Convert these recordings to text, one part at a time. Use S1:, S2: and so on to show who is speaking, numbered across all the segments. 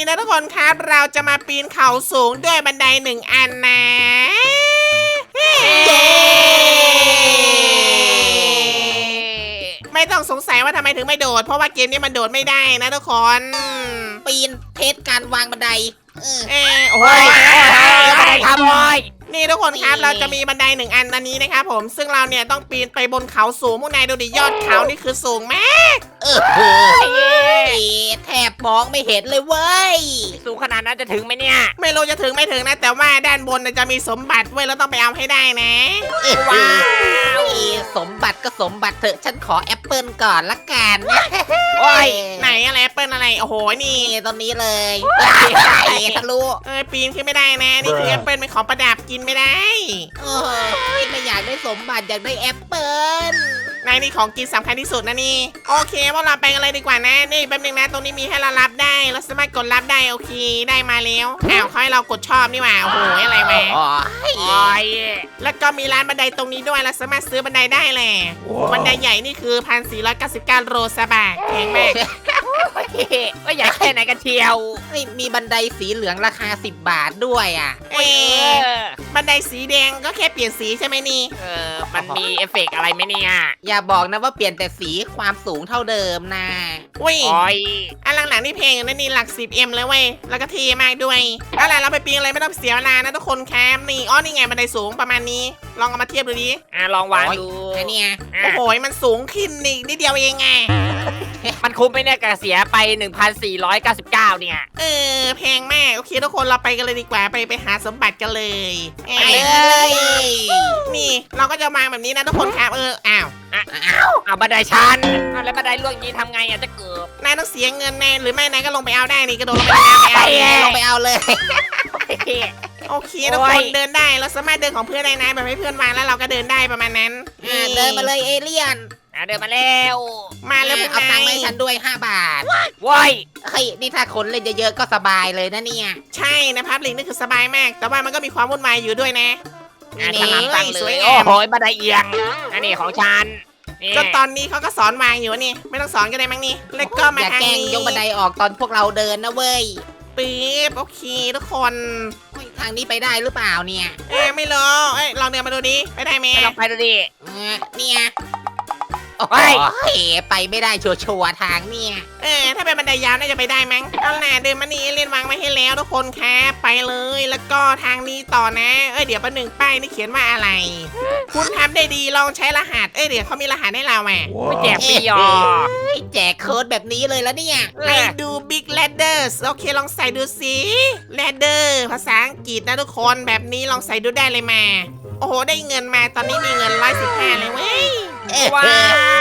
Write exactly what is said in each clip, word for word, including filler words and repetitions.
S1: นะทุกคนครับเราจะมาปีนเขาสูงด้วยบันไดหนึ่งอันนะไม่ต้องสงสัยว่าทำไมถึงไม่โดดเพราะว่าเกมนี้มันโดดไม่ได้นะทุกคน
S2: ปีนเทสการวางบันไดเออ
S1: เออโอ้
S3: โอ้ย
S1: ย
S3: ไม่ได้ทำเลย
S1: นี่ทุกคนครับเราจะมีบันไดหนึ่งอันอันนี้นะครับผมซึ่งเราเนี่ยต้องปีนไปบนเขาสูงพวกนายดูดิยอดเขานี่คือสูงมาก
S2: เออแทบมองไม่เห็นเลยเว้ย
S3: สูงขนาดนั้นจะถึงไหมเนี่ย
S1: ไม่รู้จะถึงไม่ถึงนะแต่ว่าด้านบนน่ะจะมีสมบัติเว้ยเราต้องไปเอาให้ได้นะ
S2: ว้าวสมบัติก็สมบัติเถอะฉันขอแอปเปิลก่อนละกัน
S3: โอ้ย
S1: ไหนอะไรแอปเปิลอะไรโอ้โหนี่
S2: นี่ตรงนี้เลยทะลุ
S1: เออปีนขึ้นไม่ได้นะนี่คือแอปเปิลเป็นของประดับกินไม่ได้
S2: โอ้ยไม่อยากได้สมบัติอยากได้แอปเปิล
S1: นายนี่ของกินสำคัญที่สุดนะนี่โอเคพวกเราไปกันเลยดีกว่านะนี่แป๊บนึงนะตรงนี้มีให้เรารับได้เราสามารถกดรับได้โอเคได้มาแล้วอ้าวเขาให้เรากดชอบนี่หว่าโอ้โหอะไรมา
S2: โอ้ย
S3: โอ้ย
S1: แล้วก็มีร้านบันไดตรงนี้ด้วยเราสามารถซื้อบันไดได้แหละบันไดใหญ่นี่คือพันสี่ร้อยเก้าสิบเก้าโรซาบะแพงมาก
S3: ว่าอยากแค่ไหนกันเชียว
S2: เฮ้ยมีบันไดสีเหลืองราคาสิบบาทด้วยอ่ะ
S1: เอ๊ะบันไดสีแดงก็แค่เปลี่ยนสีใช่ไหมนี่
S3: เออมันมีเอฟเฟกต์อะไรไหมเนี่ย
S2: อย่าบอกนะว่าเปลี่ยนแต่สีความสูงเท่าเดิมนะ
S1: อุ้ย
S3: โอ้ย
S1: อันหลังๆนี่เพลงอยู่นะนี่หลัก สิบเอ็ม เลยเว้ยแล้วก็เท่มากด้วยเอาล่ะเราไปปีนอะไรไม่ต้องเสียเวลานะทุกคนครับนี่อ๋อนี่ไงบันไดสูงประมาณนี้ลองเอามาเทียบดูดิ
S3: อ่ะลองวางดู
S2: อันเนี้ย
S3: อ่ะ
S1: โอ้โหมันสูงขึ้นนี่นิดเดียวเองไง
S3: มันคุ้มไหมเนี่ยกระเสียไป หนึ่งพันสี่ร้อยเก้าสิบเก้า เนี่ย
S1: เออแพงมากโอเคทุกคนเราไปกันเลยดีกว่าไปไปหาสมบัติกันเลยเอ้
S2: ไป
S1: ย
S2: เลย
S1: นี่เราก็จะวางแบบนี้นะทุกคนครับเอออ้าว
S3: เอาบันไดชันเอาแล้วบันไดล่วงยีนทำไงอ่ะจะเกิด
S1: นายต้องเสียเงินแน่หรือไม่นายก็ลงไปเอาได้นี่กระโดดลงไปในน้ำไปเอา
S3: ไป
S2: ลงไปเอาเลย
S1: โอเคทุกคนเดินได้เราสามารถเดินของเพื่อนได้นะแบบให้เพื่อนวางแล้วเราก็เดินได้ประมาณนั้น
S2: อ่าเดินมาเลยเอเลี่ยน
S3: อ่ะเดินมาแล้ว
S1: มาแล้วพวก
S2: เอาตั
S1: นาง
S2: ค์มาให้
S1: ย
S2: ฉันด้วยห้าบาท
S3: ว้ย
S2: เฮ้ยนี่ถ้าคนเล่นเยอะๆก็สบายเลยนะเนี่ย
S1: ใช่นะพับลิงนี่คือสบายมาก แต่ว่ามันก็มีความวุ่นวายอยู่ด้วยนะ
S3: อ่ะ
S1: นี่
S3: ฉลามตั้งเล
S1: สวย
S3: ย
S1: งาม
S3: โอ้โหบันไดเอียงอันนี้ของฉันนี่
S1: ก็ตอนนี้เขาก็สอนวางอยู่นี่ไม่ต้องสอนก็ได้มั้งนี่แล้วก็มา
S2: อย่า
S1: ทาง
S2: แกล้ง
S1: นี้
S2: ยกบันไดออกตอนพวกเราเดินนะเว้ย
S1: ปี๊บโอเคทุกคน
S2: เฮ้ยทางนี้ไปได้หรือเปล่าเนี่ย
S1: เอ้ยไม่รู้เอ้ยลองเดินมาดูดิไปได้ไหม
S3: ไปลองไปดูดิ
S2: เออเนี่ยโอ้
S3: เฮ้
S2: โห
S3: ย
S2: ไปไม่ได้ชัวร์ๆทางเนี่ย
S1: เออถ้าเป็นบันไดยาวน่าจะไปได้มั้งเอาล่ะเดินมานี่เล่นวางไว้ให้แล้วทุกคนครับไปเลยแล้วก็ทางนี้ต่อนะเอ้ยเดี๋ยวประหนึ่งป้ายนี่เขียนว่าอะไร คุณทำได้ดีลองใช้รหัสเอ้ยเดี๋ยวเขามีรหัสให้เราอ่ะ
S3: ไม่แจกฟรีหรอ
S2: เฮ้ยแจกโค้ดแบบนี้เลยแล้วเนี่ย
S1: ไอดู Big Ladders โอเคลองใส่ดูสิ Ladder ภาษาอังกฤษนะทุกคนแบบนี้ลองใส่ดูได้เลยมา โอ้โหได้เงินมาตอนนี้มีเงินร้อยสิบห้าเลยเว้ย
S2: เอ้ย
S3: ว้าว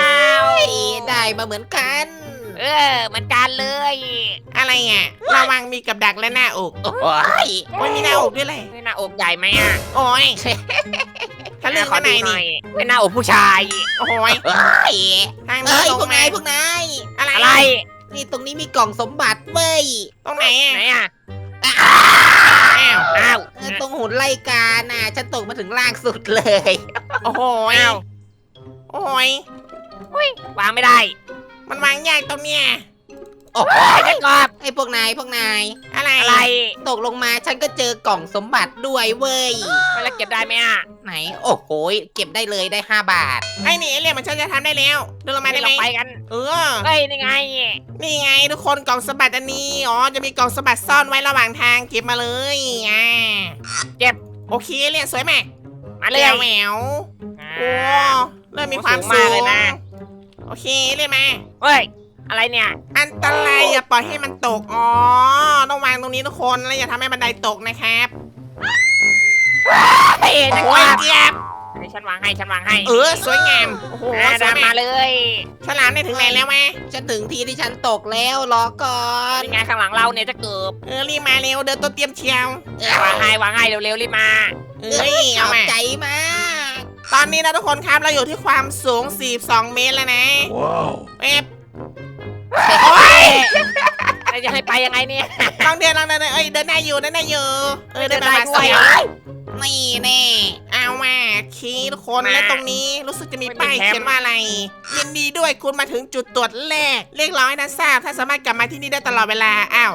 S2: ได้มาเหมือนกัน
S3: เออเหมือนกันเลย
S1: อะไรอ่ะระวังมีกับดักและหน้าอก
S2: โอ้ย
S1: โอ้ยมีหน้าอกด้วยเลย
S3: นี่หน้าอกใหญ่ไหมอ่ะ
S1: โอ้ยทะลึ่ง
S3: ขอ
S1: ข้างใน
S3: ดูหน่
S1: นี่
S3: อยเป็นหน้าอกผู้ชาย
S1: โอ้ย
S2: เฮ้ย
S1: ทางนี้
S2: เฮ้ย
S1: ตร
S2: พว
S1: ง
S2: ก
S1: มาน
S2: ายพวกนาย
S1: อะไร
S3: อะไร
S2: นี่ตรงนี้มีกล่องสมบัติเว้ย
S1: ตรงไหนอ่ะ
S3: ไหนอ่ะ
S2: อ้า
S1: อ้าว
S3: อ้าว
S2: วตรงหุ่นไล่กาน่ะฉันตกมาถึงล่างสุดเลย
S1: โอ้โห
S3: อ้าว
S1: โอ้ยว
S3: างไม่ได้
S1: มันวางยากตรงเนี้ย
S2: โอ้โห
S3: ไอ้เจ้ากอบ
S2: ไอ้พวกนายพวกนาย
S1: อะไร
S3: อะไร
S2: ตกลงมาฉันก็เจอกล่องสมบัติด้วยเว้ย
S3: ไม่แล้วเก็บได้ไหมอ่ะ
S2: ไหน โอ้โหเก็บได้เลยได้ห้าบาท
S1: ไอ้นี่ไอ้เรื่องมันฉันจะทำได้แล้วเดินลงมาได้
S3: ล
S1: ไหม
S3: องไปกัน
S1: เออ
S3: เฮ้ยนี่ไง
S1: นี่ไงทุกคนกล่องสมบัติอันนี้อ๋อจะมีกล่องสมบัติซ่อนไว้ระหว่างทางเก็บมาเลยอ่า
S3: เก็บ
S1: โอเคเรียนสวยมาก
S3: มาเลย
S1: แหวว
S3: อ่า
S1: โอ้เริ่มมีความ
S3: สูงมากเลยนะ
S1: โอเคเรียนมา
S3: เฮ้ยอะไรเนี่ย
S1: อันตรายอย่าปล่อยให้มันตกอ๋อต้องวางตรงนี้ทุกคนแล้วอย่าทำให้บันไดตกนะครับ
S3: เฮ้ยเจ้า
S1: โอ้
S3: ก
S1: ย
S3: อบ
S1: เจี๊ยบ
S3: ให้ฉันวางให้ฉันวางให้
S1: เออสวยงามโอ้โห
S3: อ่า
S1: สวย
S3: ดำ
S1: มา
S3: มาก เลย
S1: ฉลามได้ถึงไหนแล้วแม่
S2: ฉันถึงที่ที่ฉันตกแล้วรอก่อน
S3: นี่ไงข้างหลังเราเนี่ยจะเกิบ
S1: เออรีบมาเร็วเดินตัวเตรียมเชียว
S2: เอ้ยว
S3: างให้วางให้เร็วๆรีบมา
S1: เอ้ย
S2: ข
S1: เอา
S2: อบ
S1: มา
S2: ใจมาก
S1: ตอนนี้นะทุกคนครับเราอยู่ที่ความสูงสี่สิบสองเมตรแล้วนะว้าวเอ๊ะโอ้ย
S3: แล้วจะให้ไปยังไงเนี่ย
S1: ลองเดินลองเดินเอ้ยเดินได้อยู่เดินได้อยู่เออเดินไป
S3: เดินได้
S1: มา
S3: ด้
S1: เสี
S3: วย
S1: ยว
S2: นี่แน่
S1: เอามาคีทุกคน
S3: มา
S1: และตรงนี้รู้สึกจะมี
S3: ไม่มี
S1: ป้าย
S3: แคมป์
S1: เขียนว่าอะไร ยินดีด้วยคุณมาถึงจุดตรวจแรกเรียกร้องให้นักทราบถ้าสามารถกลับมาที่นี่ได้ตลอดเวลาอ้าว
S2: เฮ้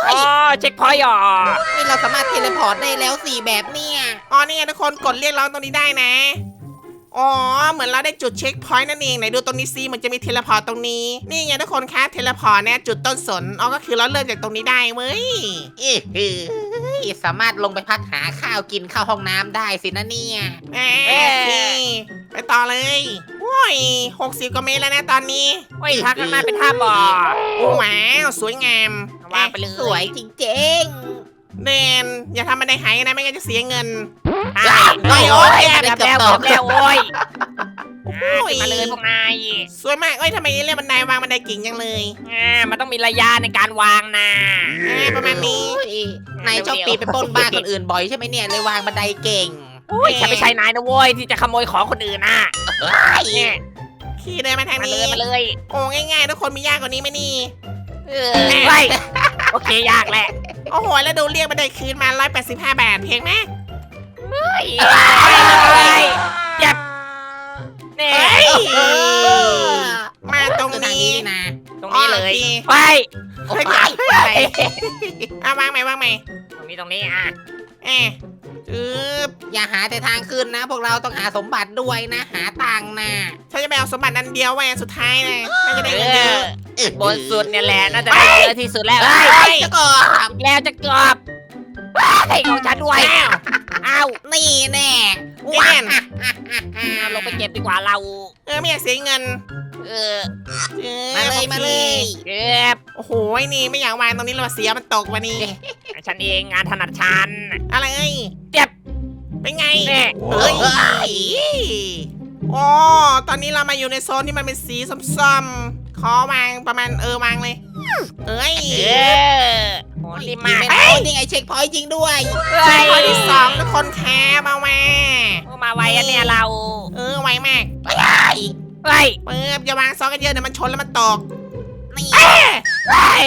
S3: อ๋อเช็คพอยต์อ่ะ
S2: นี่เราสามารถเทเลพอร์ตได้แล้วสี่แบบเนี่ย
S1: อ๋อนี่ไงทุกคนกดเรียกร้องตรงนี้ได้นะอ๋อเหมือนเราได้จุดเช็คพอยต์นั่นเองไหนดูตรงนี้ซิเหมือนจะมีเทเลพอร์ตตรงนี้นี่ไงทุกคนคะเทเลพอร์ตเนี่ยจุดต้นสนอ๋อก็คือเราเริ่มจากตรงนี้ได้เว้ย
S2: อื้อหือสามารถลงไปพักหาข้าวกินเข้าห้องน้ำได้สินะเนี่ย
S1: อ่าโอเคไปต่อเลยโอ้ยหกสิบกว่าเมตรแล้วนะตอนนี้
S3: โอ้ยทางข้างหน้าเป็นท่าบ่อ
S1: โอ้ว้าวสวยงาม
S3: วางไปเลย
S2: สวยจริง
S1: เดนอย่าทำมันได้หายนะไม่งั้นจะเสียเงิน
S3: ใช่
S2: โอ้ย
S3: โอ้ย
S2: โอ้ย
S3: แบบแล้วแบบแล้วโอ้ย
S1: โอ้
S3: อ่าย ขึ้นมาเลยพวกนาย
S1: สวยมากเอ้ยทำไมเรียกบันไดวางบันไดกิ่งจังเลย
S3: อ่ามันต้องมีระยะในการวางนะ
S1: อ่าประมาณนี้
S2: โอ้ยนายชอบปีนไปปล้นบ้านคนอื่นบ่อยใช่ไหมเนี่ยเลยวางบันไดเก่ง
S3: โอ้ยฉันไม่ใช่นายนะโว้ยที่จะขโมยของคนอื่นน่ะเนี่ย
S1: ขี่เดินมาทาง
S3: มาเล
S1: นี้
S3: ยมาเลย
S1: โอ้ง่ายๆทุกคนมียากกว่านี้ไหมนี่
S3: เออไปโอเคยากแหละ
S1: โอ้โหแล้วดูเรียกบันไดคืนมาร้อยแปดสิบห้าบาทเพลงไหม
S3: ไปเลยเจ็บเนี่ย
S1: เฮ้ย
S2: เออ
S1: มาตรง
S2: คือทาง
S1: นี้
S2: นี้นะ
S3: ตรงนี้เลย
S1: โอเค
S3: ไป
S2: โอ้ย
S3: ไป
S1: อ่ะวางไหมวางไหม
S3: ตรงนี้ตรงนี้อ่ะ
S1: เอ๊ะจืบ
S2: อย่าหาแต่ทางขึ้นนะ พวกเราต้องหาสมบัติด้วยนะ หาตังค์นะ
S1: ฉันจะไปเอาสมบัติอันเดียวไว้อันสุดท้ายนะน่าจะได้
S3: เอ
S1: เงินเย
S3: อ
S1: อะ
S3: บนสุดเนี่ยแหละน่าจะได้เยอะที่สุดแล้ว
S2: เฮ้
S3: เฮ้
S2: ย
S3: ย
S2: เจ้าก่อน
S3: แล้วจะกรอบไอ้ของฉันด้วย
S1: อ้าว
S3: อ้าว
S2: นี่แน่
S1: เล่น
S3: เอาลงไปเก็บดีกว่าเรา
S1: เออไม่อยากเสียเงิน
S3: เออ
S1: จืบ
S2: มาเลยมาเลย
S3: เก็บ
S1: โอ้โหไอ้นี่ไม่อยากวางตรงนี้เลยว่ะเสียมันตกวันนี้
S3: ฉันเองงานถนัดฉัน
S1: อะไรเอ้ย
S3: เจ็บ
S1: เป็นไง
S3: เนี่ย
S1: เฮ้ย
S2: เฮ้ย
S1: อ๋อตอนนี้เรามาอยู่ในโซนที่มันเป็นสีส้มๆขอวางประมาณเออวางเลย เอ้ย
S3: เออโหดีมาก
S2: เป็นโอ้นี่ไงเช็คพอยต์จริงด้วย
S3: เฮ้ย
S1: ข้อที่สองทุกคนแคร์มาแว
S3: โอ้มาไวอะเนี่ยเรา
S1: เออไวมาก
S3: เฮ้ย
S1: เปิบอย่าวางซ้อนกันเยอะเดี๋ยวมันชนแล้วมันตก
S2: นี่
S3: เฮ้ย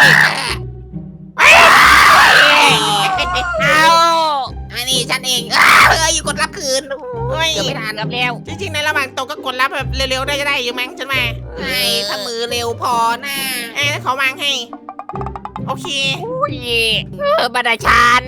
S3: เอา
S2: อันนี้ฉันเองเอ้ยอยู่กดรับคืน
S1: เฮ้ย
S2: เกือบไม่ทัน
S3: เกือบเร็ว
S1: จริงๆในระหว่างตกก็กดรับแบบเร็วๆได้จะได้อยู่มั้งฉันว่า
S2: ไอ้ถ้ามือเร็วพอนะ
S1: เอ้ยขอวางให้ โอเค
S3: อุ้ยเออบันไดชัน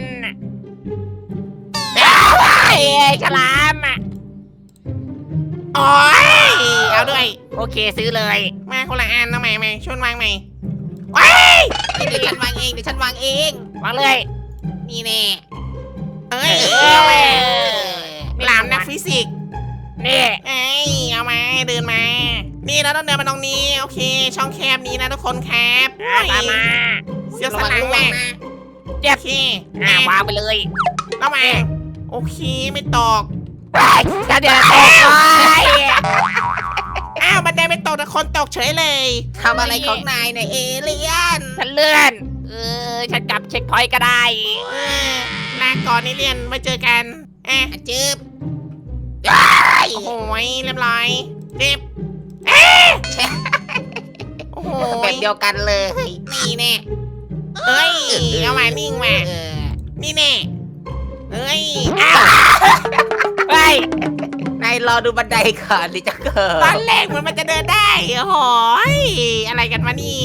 S3: เฮ้ยฉลามอะ
S1: โอ้ยเอาด้วย
S3: โอเคซื้อเลย
S1: มาคนละอันนะใหม่ใหม่ชวนวางใหม่ว้าย
S2: เดี๋ยวฉันวางเองเดี๋ยวฉันวางเอง
S3: วางเลย
S2: นี่แน่
S1: เอ้ย
S3: เอ
S1: เอามา
S3: อ
S1: หลามนักฟิสิกส์
S3: นี่
S1: เอ้ยเอามาเดินมา นี่เราต้องเดินมาตรงนี้โอเค ช่องแคบนี้นะทุกคนครับ
S3: อ่ะตามมา
S1: เสียว
S2: ระ
S1: สัน
S2: วัง
S1: หลัง
S2: ระวั
S1: แม่
S2: งนะ
S3: เจ็บ
S1: โอเค
S3: อ่ะวางไปเลย
S1: ระวังโอเคไม่ตก
S3: เฮ้ยฉันเดี๋ยวตกเลย
S1: อ้าวบันไดไม่ตกแต่คนตกเฉยเลย
S2: ทำอะไรของนายเนี่ยเอเลียน
S3: ฉันเลื่อน เออ ฉันกลับเช็คพอยต์ก็ได้
S1: เออลาก่อนนี่เรียนไว้เจอกันอ่ะ
S2: อ่ะจืบ
S1: โอ้โหเรียบร้อยเจ็บเอ๊ะโอ้โห
S2: แบบเดียวกันเลย นี่แน่
S1: เอ้ยเอามานิ่งมา
S2: เออ
S1: นี่แน่เอ้ย
S3: เฮ้ย
S2: นายรอดูบันไดก่อนดิจะเกิ
S1: ตอน
S2: ด
S1: แรกเหมือนมันจะเดินได้โอ้โหยอะไรกันวะนี่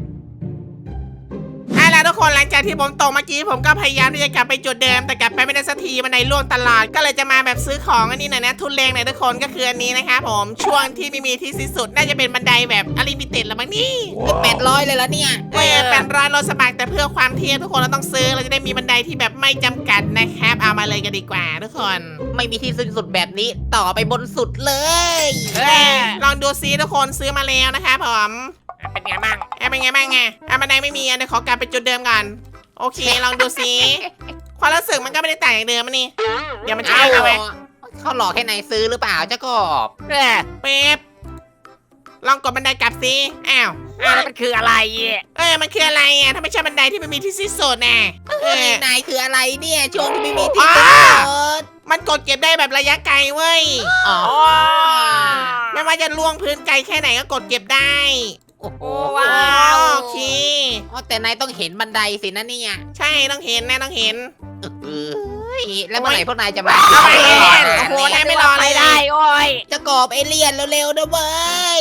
S1: เอาล่ะทุกคนหลังจากที่ผมตกเมื่อกี้ผมก็พยายามที่จะกลับไปจุดเดิมแต่กลับไปไม่ได้สักทีมันในล่วงตลอดก็เลยจะมาแบบซื้อของอันนี้หน่อยนะทุนแรงหน่อยทุกคนก็คืออันนี้นะครับผมช่วงที่ไม่มีที่สิ้นสุดน่าจะเป็นบันไดแบบอลิมิเต็ดละมั้งนี่
S2: แปดร้อยเลยแล้วเนี่ย
S1: เออเป็นร้อยรถสมัครแต่เพื่อความเทียบทุกคนเราต้องซื้อเราจะได้มีบันไดที่แบบไม่จำกัดนะครับเอามาเลยกันดีกว่าทุกคน
S2: ไม่มีที่สิ้นสุดแบบนี้ต่อไปบนสุดเลย
S3: เออ
S1: ลองดูซิทุกคนซื้อมาแล้วนะครับผม
S3: เป็นไงบ้าง
S1: แอบเป็นไงบ้างไงอ่ะบันไดไม่มีอ่ะเดี๋ยวขอกลับไปจุดเดิมก่อนโอเคลองดูซิความรู้สึกมันก็ไม่ได้ต่างจากเดิมอะนี่เดี๋ยวมันจะ
S2: เอา
S1: เอาไว้
S2: เขาหลอกให้นายซื้อหรือเปล่าเจ้ากบ
S3: เออ
S1: เป๊บลองกดบันไดกลับซิอ้าว
S3: อ่ะแล้วมันคืออะไร
S1: เออมันคืออะไรอ่ะถ้าไม่ใช่บันไดที่ไม่มีที่สิ้นสุดน่ะเอ
S2: เฮ้ย
S1: อน
S2: ายคืออะไรเนี่ยช่วงที่ไม่มีที่
S1: อ๋อ
S2: สิ้นสุด
S1: มันกดเก็บได้แบบระยะไกลเว้ย
S2: อ๋อ
S3: อ๋อ
S1: ไม่ว่าจะล่วงพื้นไกลแค่ไหนก็กดเก็บได้
S2: โอ้โห
S3: ว้าว
S1: โอเค
S2: อ๋อแต่นายต้องเห็นบันไดสินะเนี่ย
S1: ใช่ต้องเห็นนะต้องเห็น
S2: เอ้ยแล้วเมื่อไหร่พวกนายจะมา
S1: เอาไปเล่นโอ้โหนายไม่รอ
S3: ไป
S1: เลย
S3: ได้โอ้ย
S2: เจะกบเอเลี่ยนเร็วๆนะเว้ย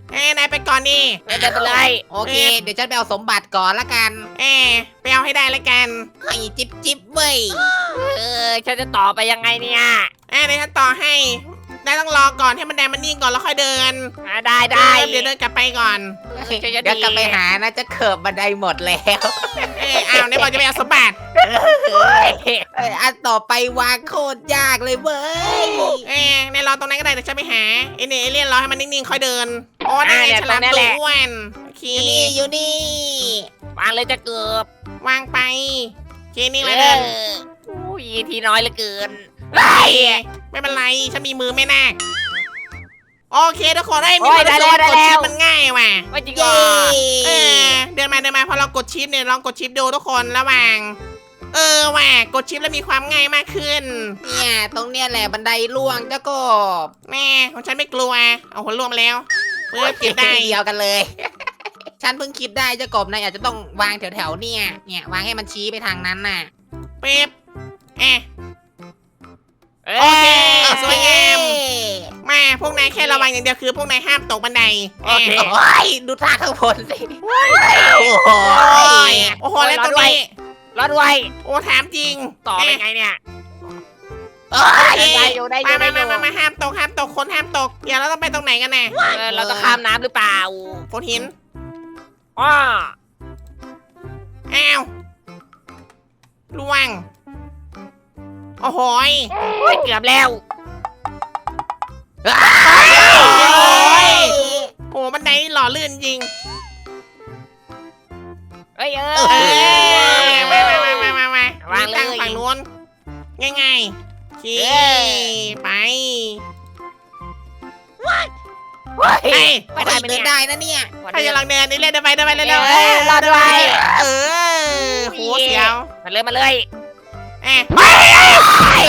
S1: เอ้ยนายไปก่อนนี่
S3: เดินไปเลย
S2: โอเค เดี๋ยวฉันไปเอาสมบัติก่อนละกัน
S1: เอ้ยไปเอาให้ได้แล้วกัน
S2: ให้จิบจิบเว้ย
S3: เออฉันจะต่อไปยังไงเนี่ย
S1: เอ้ยเดี๋ยวฉันต่อให้นายต้องรอก่อนให้มันแดงมันนิ่งก่อนแล้วค่อยเดิน
S3: อ่าได้ได้
S1: เดี๋ยวเดินกลับไปก่อน
S3: ฉันจะ
S2: เดี๋ยวกลับไปหานะจะเขิบบันไดหมดแล้ว
S1: เอ้ยอ้าวนายบอกจะไปเอาสมบัติ
S2: เอ้ยอันต่อไปวางโคตรยากเลยเว้ย
S1: เอ้ยนายรอตรงนั้นก็ได้เดี๋ยวฉันไปหาไอ้เนี่ยเอเลี่ยนรอให้มันนิ่งๆค่อยเดินโอ้นายฉลามตัวอ้วนโอเค
S2: อยู่นี่อยู่นี่
S3: วางเลยจะเกือบ
S1: วางไปโอเคนี่เลยเดิน
S3: อุ้ยทีน้อยเหลือเกิน
S1: ไปไม่เป็นไรฉันมีมือไม่นาคโอเคทุกคนได้ยมีคนรู้สึกว่ากดชิปมันง่ายว่ะ
S3: ไม่จริงเหร
S2: เย้
S3: อ
S1: เออเดินมาเดินมาพอเรากดชิปเนี่ยลองกดชิปดูทุกคนระหว่าง เออว่ะกดชิปแล้วมีความง่ายมากขึ้น
S2: เนี่ยตรงเนี้ยแหละบันไดล่วงเจ้ากบ
S1: แม่ของฉันไม่กลัวเอาหัวรวมแล้วเพื่อเก็บได้
S2: เดียวกันเลย ฉันเพิ่งคิดได้เจ้ากบนายอาจจะต้องวางแถวๆเนี่ยเนี่ยวางให้มันชี้ไปทางนั้นน่ะ
S1: เป๊บเอะ
S3: เอ้
S1: โอเค
S3: ย
S1: สวยงาม มาพวกนายแค่ระวังอย่างเดียวคือพวกนายห้ามตกบันได
S3: โอเค
S1: เะ
S2: โอ้ยดูท่าข้างบนสิโอ้
S1: โอ้
S2: ย
S1: ยโอ้โหแล้วตรงนี้
S3: รอดไว้
S1: โอ้ถามจริง
S3: ต่อไป
S1: เะ
S3: ไงเนี่ย
S2: โอ้ย
S1: เอ๊ะ
S3: ได้อยู่ได้อ
S1: มา
S3: ยู่ได้
S1: มา
S3: อ
S1: มา
S3: ยู่
S1: มามาห้ามตกห้ามตกคนห้ามตกเดี๋ยวเราต้องไปตรงไหนกันแน่
S3: เออเราต้องข้ามน้ำหรือเปล่า
S1: โขดหิน
S3: อ้อ
S1: อ้าวล่วง โอ้โหย
S3: โอ้ยเกือบแล้ว
S1: โอ้ยโอ้บันไดนี่หล่อลื่นจริง
S3: เอ้ยเอ
S1: เอ
S3: อ
S1: อมามามามามามา
S3: วางเลย
S1: ตั้งฝั่งนู้นง่ายๆโอเค
S3: เออ
S1: ไป
S3: เฮ้ย
S1: เอ้ย
S3: ไม่ได้
S2: เดิ
S3: ไม่
S2: น
S3: ได้
S2: ได้นะเนี่ย
S1: ใครจะลองเดินนี่เล่นเดินไปเดินไปเร็วๆ
S3: เออรอดด้วย
S1: เออโหเสียว
S3: มาเลยมาเลย
S1: เอ๊ะ
S3: เฮ้ย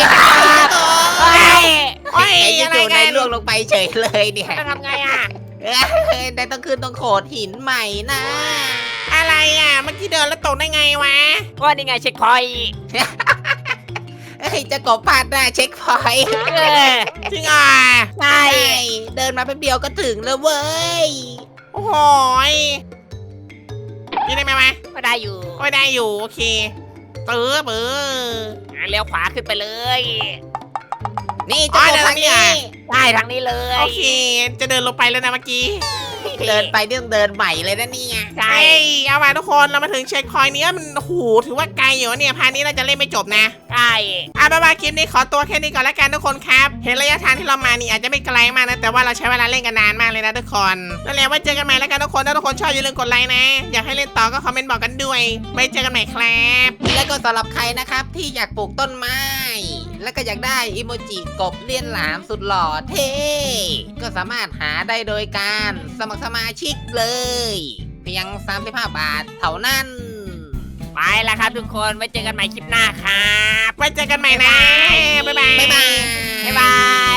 S1: โอ้ย
S2: ไอ้
S1: อะไร
S2: จู่ๆ
S1: กั
S2: นาย
S1: น
S2: ล่วงลงไปเฉยเลยเนี่ย
S3: จะทำไงอ่ะ
S2: เอ้ยนายต้องขึ้นตรงโขดหินใหม่นะ
S1: อะไรอ่ะเมื่อกี้เดินแล้วตกได้ไงวะ
S3: ว่านี่ไงเช็คพอยต์
S2: เฮ้ยจะกบพลาดได้เช็คพอยต์
S3: เออ
S1: จริงอ่ะ
S3: ใช่
S2: ใช่เดินมาแป๊บเดียวก็ถึงแล้วเว้ย
S1: โอ้โหยกินได้ไหมวะ
S3: ก็ได้อยู่
S1: ก็ได้อยู่โอเคเติบเออ
S3: อ่ะเลี้ยวขวาขึ้นไปเลย
S2: นี่จะกบทางนี้
S3: ได้ทางนี้เลย
S1: โอเค จะเดินลงไปแล้วนะเมื่อกี้
S2: เดินไปเรื่องเดินใหม่เลยนะเนี่ย
S3: ใช่
S1: ใช่เอามาทุกคนเรามาถึงเช็คพอยต์นี้มันโอ้โหถือว่าไกลอยู่เนี่ยพาร์ทนี้เราจะเล่นไม่จบนะ
S3: ใช่
S1: อ่ะบ๊ายบายคลิปนี้ขอตัวแค่นี้ก่อนแล้วกันทุกคนครับ เห็นระยะทางที่เรามานี่อาจจะไม่ไกลมากนะแต่ว่าเราใช้เวลาเล่นกันนานมากเลยนะทุกคนนั่นแหละไว้เจอกันใหม่แล้วกันทุกคนถ้าทุกคนชอบอย่าลืมกดไลค์นะ อยากให้เล่นต่อก็คอมเมนต์บอกกันด้วยไว้เจอกันใหม่ครับ
S2: และก็สำหรับใครนะครับที่อยากปลูกต้นไม้ และก็อยากได้อิโมจิกบเลี้ยนหลามสุดหล่อเท่ก็สามารถหาได้โดยการสมัครสมาชิกเลย เพียงสามสิบห้าบาทเท่านั้น
S3: ไปแล้วครับทุกคนไว้เจอกันใหม่คลิปหน้าครับ
S1: ไว้เจอกันใหม่นะบ๊ายบาย
S2: บ๊ายบาย
S3: บ๊ายบาย